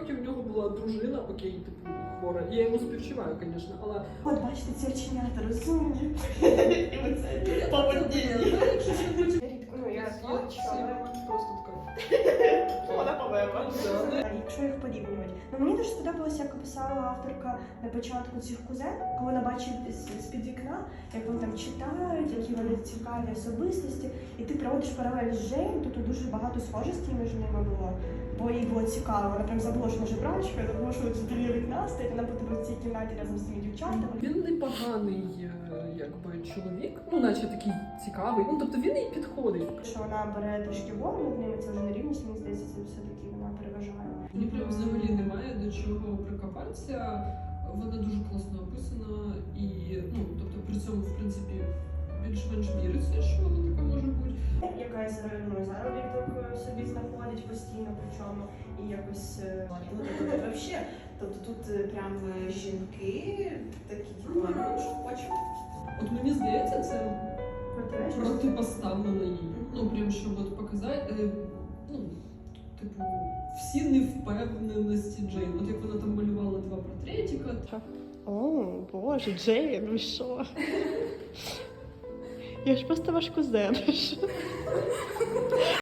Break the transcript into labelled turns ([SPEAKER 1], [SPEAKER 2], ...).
[SPEAKER 1] насправді в нього була дружина, окей, типу, хвора. Я йому співчуваю, звісно, але...
[SPEAKER 2] От, бачите, ці оченята розумні. І оце поводіння. Рідко, ну, я
[SPEAKER 1] просто така.
[SPEAKER 2] вона повема. Якщо їх порівнювати. Ну, мені дуже сподобалося, як описала авторка на початку цих кузен, коли вона бачить з-під вікна, як вони там читають, які вони цікаві особистості. І ти проводиш паралель з Джейн, тут дуже багато схожостей між ними було. Бо їй було цікаво, вона прям забула, що вона жебрачка, забула, що біля вікна стоїть, вона буде в цій кімнаті разом з цими дівчатами.
[SPEAKER 1] Він непоганий, якби, чоловік, ну, наче такий цікавий, ну, тобто він їй підходить.
[SPEAKER 2] Що вона бере трішки вогню над ними, це вже не рівність, мені здається, це все-таки вона переважає.
[SPEAKER 1] Мені прям взагалі немає до чого прикопатися. Вона дуже класно описана і, ну, тобто при цьому, в принципі, більш-менш віриться, що вона така може бути.
[SPEAKER 2] Якась заробіток собі знаходить постійно, причому і якось
[SPEAKER 3] Вообще, тобто тут прям жінки такі, типу, ну, що хочемо.
[SPEAKER 1] От мені здається, це
[SPEAKER 2] протиречить.
[SPEAKER 1] протипоставлено їй. Ну, прям, щоб от показати, ну, типу, всі невпевненості Джейн. От як вона там малювала два портретика.
[SPEAKER 2] О, боже, Джейн, ви що? Я ж просто ваш кузен.